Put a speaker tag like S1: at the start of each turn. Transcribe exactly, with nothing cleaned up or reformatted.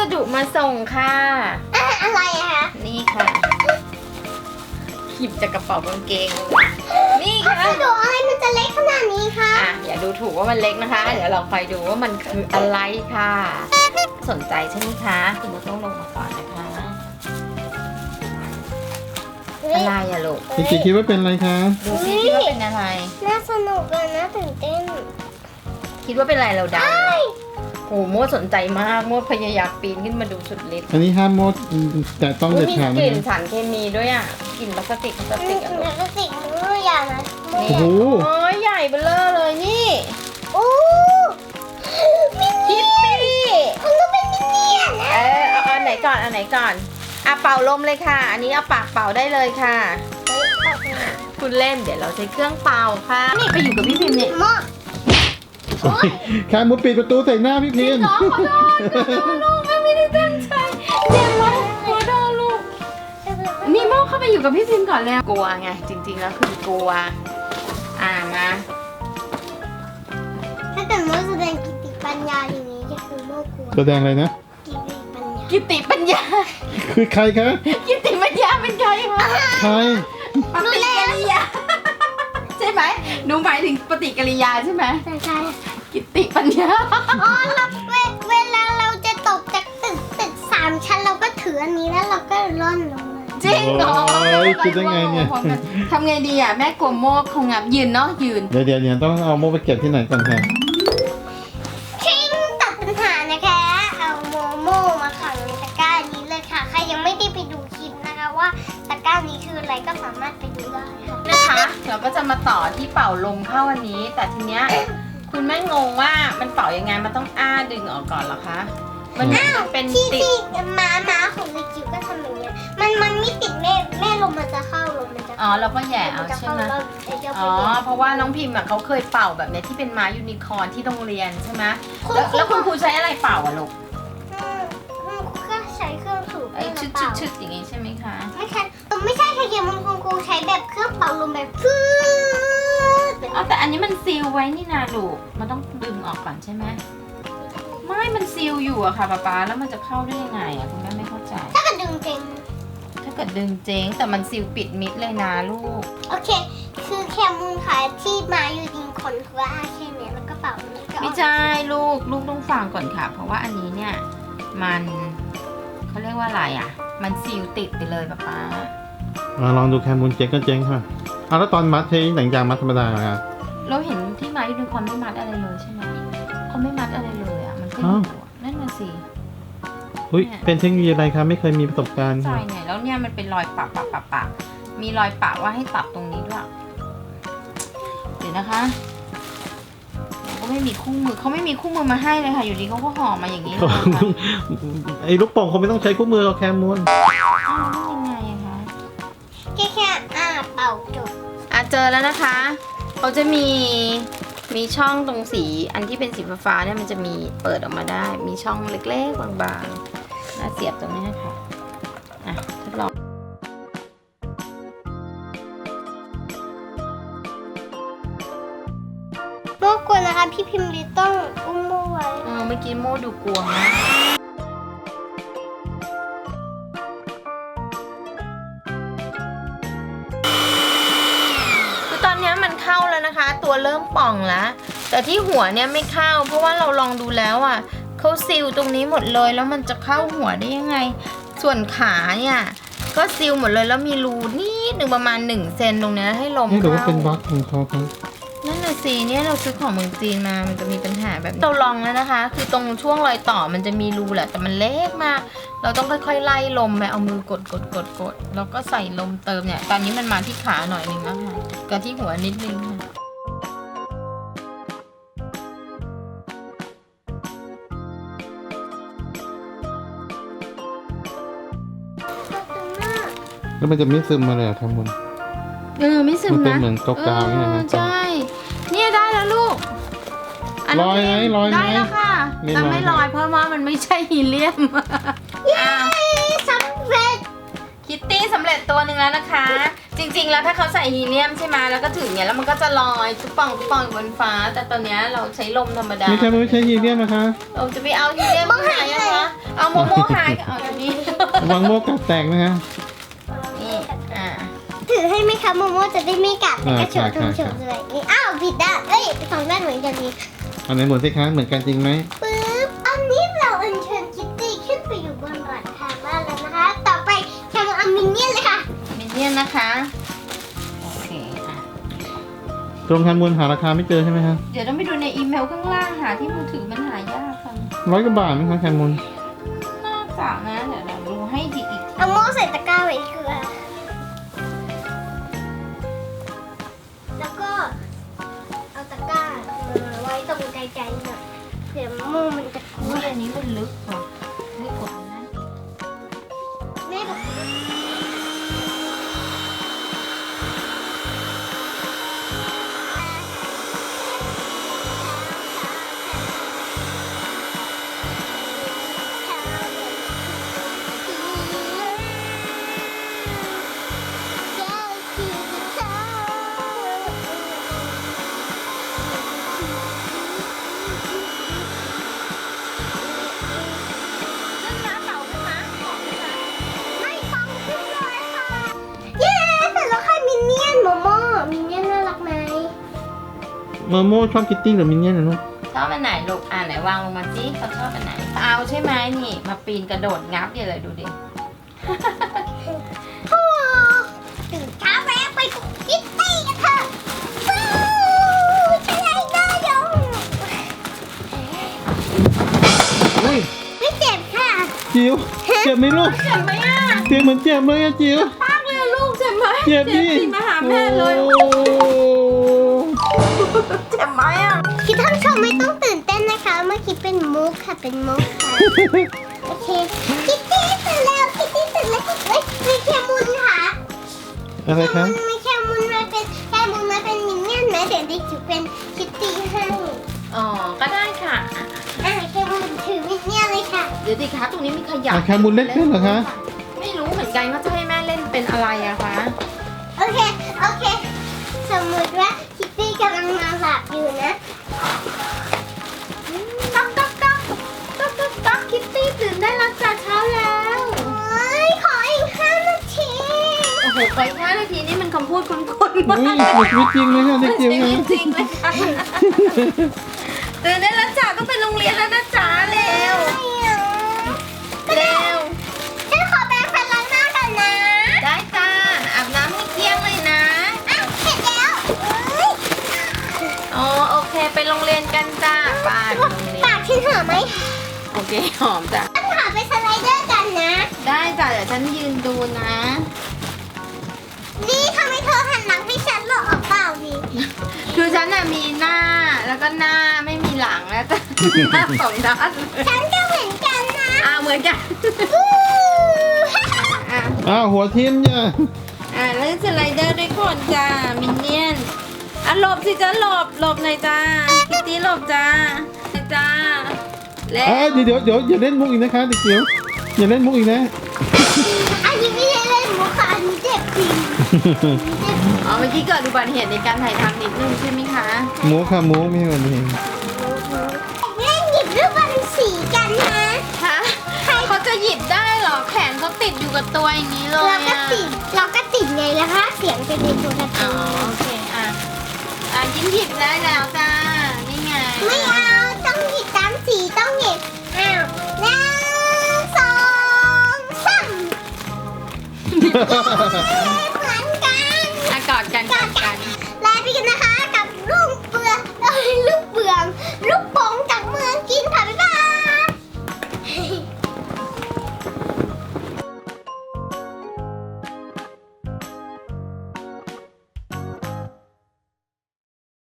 S1: ดุมาส่งค่ะ
S2: อะอะไรอะคะ
S1: นี่ค่ะหยิบจากกระเป๋ากางเกงนี่ค่ะ
S2: พัสดุอะไรมันจะเล็กขนาดนี้คะ
S1: อ่ะอย่าดูถูกว่ามันเล็กนะคะ เดี๋ยวเราคอยดูว่ามันคืออะไรค่ะ สนใจใช่ไหมคะคุณมุกต้องลงมาก่อนนะคะ อะไรอะลูก
S3: จริงๆคิดว่าเป็นอะไรคะ
S1: ดูซิคิดว่าเป็นอะไร
S2: น่าสนุกเลยนะตื่นเต้น
S1: คิดว่าเป็นอะไรเราเดาโอ้โหโมดสนใจมากโมดพยายามปีนขึ้นมาดูสุดฤทธิ์
S3: อันนี้ห้ามมดแต่ต้อง
S1: อุ๊
S3: เด็
S1: ย
S3: ด
S1: มี
S3: ขาด
S1: ก
S3: นะ
S1: ลิ่น
S3: คะ
S1: สารเคมีด้วยอ่ะกลิ่นพลาสติกพลาสติกอะลูก
S2: แล้วก็สิ่งนู้นอย่างนะ
S1: นี่
S3: โอ้โห
S1: โอ้ยใหญ่เบ้อเร่อเลยนี่
S2: โอ้มิน
S1: คิตตี้
S2: มันต้องเป็นมินเนี่ยนนะ
S1: เออเอาอันไหนก่อนอันไหนก่อนอ่ะเป่าลมเลยค่ะ อันนี้เอาปากเป่าได้เลยค่ะ
S2: เฮ้ยเอาไป
S1: คุณเล่นเดี๋ยวเราใช้เครื่องเป่าค่ะนี่ไปอยู่กับพี่พิมพ์เนี่ย
S2: หม้อ
S3: โอ้ยแค่มุดปิดประตูใส่หน้าพี่พิมพ์
S1: น้องขอโทษขอโทษลูกแม่ไม่ได้ตั้งใจเจ็บไหมขอโทษลูกนี่โม่เข้าไปอยู่กับพี่พิมพ์ก่อนแล้วกลัวไงจริงๆแล้วคือกลัวอ่ามา
S2: ถ้าเกิดโมแสดงกิตติปัญญาอย่างนี้ก็คือโมกลัว
S3: แสดงอะไรนะ
S2: กิตติปัญญา
S1: กิตติปัญญา
S3: คือใครคะ
S1: กิตติปัญญาเป็นใครคะ
S3: ใคร
S1: ปฏิกิริยาใช่ไหมหนูหมายถึงปฏิกิริยาใช่ไหม
S2: ใช่ใช่
S1: กิตติปัญญา
S2: อ๋อเราเวเวลาเราจะตกจากตึกตึกสามชั้นเราก็ถืออันนี้แล้วเราก็ร่อนลงเลย
S1: จริงเหรอ
S3: โอ้ยคิดได้ไงเนี่ย
S1: ทำไงดีอ่ะแม่กลัวโมกคงงับยืนเนาะยืน
S3: เดี๋ยวเดี๋ยวเนี่ยต้องเอาโมไปเก็บที่ไหนก่อนค่ะ
S2: คิงตัดปัญหานะคะ เอาโมโมมาขังในตะกร้านี้เลยค่ะ ใครยังไม่ได้ไปดูคลิปนะคะว่าตะกร้านี้คืออะไรก็สามารถไปดูได้ค่ะ
S1: นะคะเราก็จะมาต่อที่เป่าลมเข้าอันนี้ แต่ทีเนี้ยคุณแม่งงว่ามันเป่ายังไงมันต้องอ้าดึงออกก่อนเหรอคะมันมันเป็น
S2: ที่
S1: ติด
S2: ที่ม้าม้าของเด็กจิ๋วก็ทำอย่างเงี้ย มันมันไม่ติดแม่แม่ลมมันจะเข้าลมมันจะ
S1: อ๋อ
S2: เข้า
S1: เราก็แหย่เอา
S2: มันจะ
S1: ใช่
S2: เข้า
S1: ไหม
S2: แล้วเดี๋ยวจะไป
S1: อ๋อ
S2: แย่
S1: เพราะว่าน้องพิมพ์อ่ะเขาเคยเป่าแบบเนี้ยที่เป็นม้ายูนิคอร์นที่โรงเรียนใช่ไหม
S2: คุณ
S1: แล้วแล้ว
S2: คุ
S1: คุณ ณครูใช้อะไรเป่าอ่ะลูก
S2: อืมอืมเครื่องใช้เครื่องสูบ
S1: ไอ้ชึด
S2: เป
S1: ชึ
S2: ล่า
S1: ดชึดอย่างงี้ใช่ไหมคะ
S2: ไม่ใช่ไม่ใช่ค่ะเกียร์มันคุณครูใช้แบบเครื่องเป่าลมแบบฟืดแบบ
S1: อ๋อแต่อันนี้มันซีลไว้นี่นาลูกมันต้องดึงออกก่อนใช่ไหมไม่มันซีลอยู่อะค่ะป๊าป๊าแล้วมันจะเข้าได้ยังไงอะคุณแม่ไม่เข้าใจ
S2: ถ้าเกิดดึงเก่ง
S1: ถ้าเกิดดึงเจ๊งแต่มันซีลปิดมิดเลยนะลูก
S2: โอเค คือแคมูลขายที่มาอยู่ยิงคนคือว่าแค่เนี้ยแล้วก็เป่าอันนี้ก็
S1: ไม่ใช่ลูกลูกต้องฟังก่อนค่ะ เพราะว่าอันนี้เนี่ยมันเขาเรียกว่าอะไรอ่ะ มันซีลติดไปเลยป๊าป๊า
S3: อ่าลองดูแคมูลเจ๊งก็เจ๊งค่ะเอาแล้วตอนมัดใช้หนังยางมัดธรรมดาค่ะ
S1: เราเห็นที่มายูนิคอร์นไม่มัดอะไรเลยใช่ไหมเขาไม่มัดอะไรเลยอ่ะมันก็อยู่อะนั่นน่ะสิ
S3: อุ้ยเป็นเทคโนโลยีอะไรคะไม่เคยมีประสบการณ์
S1: ใช่
S3: ค่ะ
S1: เนี่ยแล้วเนี่ยมันเป็นรอยปะปะปะปะมีรอยปะว่าให้ตัดตรงนี้ด้วยเดี๋ยวนะคะเราก็ไม่มีคู่มือเขาไม่มีคู่มือมาให้เลยค่ะ อยู่ดีเขาก็ห่อมาอย่างนี้เลยค่ะ
S3: ไอ้ลูกโป่งคงไม่ต้องใช้คู่มือหรอกแคมูล
S1: อ้าวยังไงอะคะ
S2: แค่แค่อ่าเป่าจบ
S1: อ่ะเจอแล้วนะคะเขาจะมีมีช่องตรงสีอันที่เป็นสีฟ้าๆเนี่ยมันจะมีเปิดออกมาได้ มีช่องเล็กๆบางๆแล้วเสียบตรงนี้ค่ะอ่ะทดลอง
S2: โมกลัวนะคะ พี่พิมพ์ลิต้องอุ้มโมไว้
S1: เออเมื่อกี้โมดูกลัวมากคือตอนนี้มันเข้าแล้วนะคะ ตัวเริ่มป่องแล้ว แต่ที่หัวเนี่ยไม่เข้า เพราะว่าเราลองดูแล้วอ่ะเขาซีลตรงนี้หมดเลย แล้วมันจะเข้าหัวได้ยังไง ส่วนขาเนี่ยก็ซีลหมดเลยแล้วมีรูนิดหนึ่งประมาณหนึ่งเซนตรงเนี้ยให้ลม
S3: นี่หรือว่า
S1: เข้า
S3: เป็นบั๊กของเขาครับ
S1: นั่นน่ะสิเนี่ยเราซื้อของเมืองจีนมา มันจะมีปัญหาแบบนี้เราลองแล้วนะคะ คือตรงช่วงรอยต่อมันจะมีรูแหละ แต่มันเล็กมาก เราต้องค่อยๆไล่ลมไปเอามือกดกดกดกดแล้วก็ใส่ลมเติมเนี่ย ตอนนี้มันมาที่ขาหน่อยหนึงแล้วค่ะกับที่หัวนิดนึงค่ะ
S3: แล้วมันจะไม่ซึมมาเลยเหรอแคมูล
S1: เออไม่ซึม
S3: มันเป็น
S1: นะ
S3: เหมือนกาวๆเนี่ยนะ
S1: เออใช่ เนี่ยได้แล้วลูกน
S3: ลอยไหมลอยไหม
S1: ได้แล้วค่ะ
S3: ไม่
S1: แต่
S3: ลอย
S1: ไม่ลอยเพราะว่ามันไม่ใช่ฮีเลียมอ้าว
S2: สำเร็จ
S1: คิตตี้สำเร็จตัวหนึ่งแล้วนะคะ จริงๆแล้วถ้าเขาใส่ฮีเลียมใช่ไหมแล้วก็ถึงเนี่ยแล้วมันก็จะลอยตุ๊บป่องตุ๊บป่องอยู่บนฟ้า แต่ตอนเนี้ยเราใช้ลมธรรมดา
S3: มีแคมูนใช้ฮีเลียมนะคะ
S1: เราจะไปเอาฮีเลียมที่ไหนอะคะเอาโมโม่หายก็เอาอย่างนี้
S3: ระวังโมกัดแตกนะคะ
S1: นี่อ่า
S2: ถือให้ไหมคะโมโมจะได้ไม่กัดแต่ก็โฉบ
S3: อ่า
S2: ทำโฉบเลยนี่อ้าวผิดด้านเอ้ยสองด้านเหมือนกันนี่
S3: อันไหนหมุนสิคะเหมือนกันจริงไหม
S2: ปึ๊บอันนี้เราอัญเชิญคิตตี้ขึ้นไปอยู่บนหลังคาบ้านแล้วนะคะ ต่อไปแคมเอามินเนี่ยนเลยค่ะ
S1: มินเนี่ยนนะคะโอเคอ่ะ
S3: ตรงแคมูนหาราคาไม่เจอใช่ไหมคะ
S1: เดี๋ยวต้องไปดูในอีเมลข้างล่างหาที่มือถือมันหายากค่ะ
S3: ร้อยกว่าบาทไหมคะแคมูน
S1: น่าจะนะเดี๋ยวเราดูให้ดีอีกที
S2: เอาโม่ใส่ตะกร้าไว้เกลือแล้วก็เอาตะกร้ามาไว้ตรงไกลๆหน่อยเดี๋ยวโม่มันจะ
S1: โอ้ยอันนี้มันลึกกว่าลึกกว่าอันนั้น
S2: แม่บอกไม่ฟังขึ้นเลยค่ะเย้เสร็จแล้วค่ะมินเนี่ยนโมโม่มินเนี่ยนน่ารักไหม
S3: โมโมชอบคิตตี้หรือมินเนี่ยนนะลูก
S1: ชอบอันไหนลูกอ่าไหนวางลงมาสิเขาชอบอันไหนเอาใช่ไหมนี่มาปีนกระโดดงับอย่าเลยดูดิ
S2: โอ้ตื่นเช้าแวะไปกับคิตตี้กันเถอะฟูใช่ได้ยง
S3: เฮ้ย
S2: ไม่เจ็บค่ะ
S3: จิ๋วเจ็บไหมลูก
S1: เจ็บไหมอ่ะ
S3: เจ็บเหมือนเจ็บเลยอะจิ๋ว
S1: ปากเลยลูกเจ็บไหม
S3: เจ็บดิ
S1: สิมาหาแม่เลย
S3: โอ้
S1: เจ็บไหมอ่ะ
S2: คิดท่านชมไม่ต้องตื่นเต้นนะคะ เมื่อกี้เป็นมุกค่ะ เป็นมุกค่ะ โอเค คิตตี้ตื่นแล้ว คิตตี้ตื่นแล้วเฮ้ยมีแคมุนค่ะ
S3: อะไรคะ
S2: มีแคมุนมาเป็นแคมุนมาเป็นมินเนี่ยนไหมเดี๋ยวดิจิ๋วเป็นคิตตี้ให้
S1: อ๋อก็ได้ค่ะอ่ะ
S2: อ่ะแคมุนถือมินเนี่ยนเลยค่ะ
S1: เดี๋ยวดิคะตรงนี้มีขยะ
S3: อ่ะแคมูนเล็กขึ้นเหรอคะ
S1: ไม่รู้เหมือนกันว่าจะให้แม่เล่นเป็นอะไรอะคะ
S2: โอเค โอเค สมมติว่าคิตตี้กำลังนอนหลับอยู่นะ
S1: ต๊อกต๊อกต๊อกต๊อกต๊อกต๊อกคิตตี้ตื่นได้แล้วจ้าเช้าแล้ว
S2: โอ้ยขออีกห้านาที
S1: โอ้โหไปห้านาทีนี่มันคำพูดคุ้นๆมา
S3: อุ้ย
S1: ก
S3: เหมือนชีวิตจริงเลยค่ะเด็กจิ๋ว
S1: จ
S3: นะ
S1: ริงจริงๆเลยค่ะตื่นได้แล้วจ้าต้องไปโรงเรียนแล้วนะจ้าเร็วเร็ว
S2: ฉันขอแปรงฟันล้างหน้าก่อนนะ
S1: ได้จ้าอาบน้ำให้เกลี้ยงเลยนะ
S2: อ้าวเสร็จแล้วเอ้ย
S1: อ๋อโอเคไปโรงเรียนกันจ้าไปโรงเรีย
S2: ปาน กฉันหอมไหม
S1: โอเคหอมจ้ะ
S2: ฉันหาไปสไลเดอร์กันนะ
S1: ได้จ้ะเดี๋ยวฉันยืนดูนะ
S2: นี่ทำไมเธอหันหลังให้ฉันหรอออกเปล่าดิ
S1: คือฉันน่ะมีหน้าแล้วก็หน้าไม่มีหลังแล้วจ้ะหน้าสองด้านเลย
S2: ฉันก็เหมือนกันนะ
S1: อ่าเหมือนกัน
S2: อู้
S1: อ่ะ
S3: อ้าวหัวทิ่มเนี่ย
S1: อ่าแล้วสไลเดอร์ด้วยคนจ้ามินเนี่ยนอ่ะหลบสิจ้าหลบหลบหน่อยจ้าคิตตี้หลบจ้าจ้าแล้
S3: เอ้ยว เดี๋ยวเดี๋ยวอย่าเล่นมุกอีกนะคะเด็กจิ๋วอย่าเล่นมุกอีกนะ
S2: อันนี้ไม่ได้เล่นมุกค่ะอันนี้เจ็บจริง
S1: อ๋อเมื่อกี้เกิดอุบัติเหตุในการถ่ายทำนิดนึงใช่ไหมคะ
S3: มุกค่ะมุกไม่ใช่แบบนี้
S2: เล่นหยิบลูกบอลสีกันนะ
S1: ฮะเขาจะหยิบได้เหรอแขนเขาติดอยู่กับตัวอย่างนี้เลย
S2: เราก็
S1: อ่ะ
S2: ติดเราก็ติดไงแล้วคะเสียงเป็นในโทรศั
S1: อ๋อ
S2: พท์
S1: โอเคอ่ะอ่ะยิ้มหยิบได้แล้วจ้านี่ไง
S2: ไม่เอาต้องหยิบตามสีต้องหยิบอ้าวหนึ่งสองสาม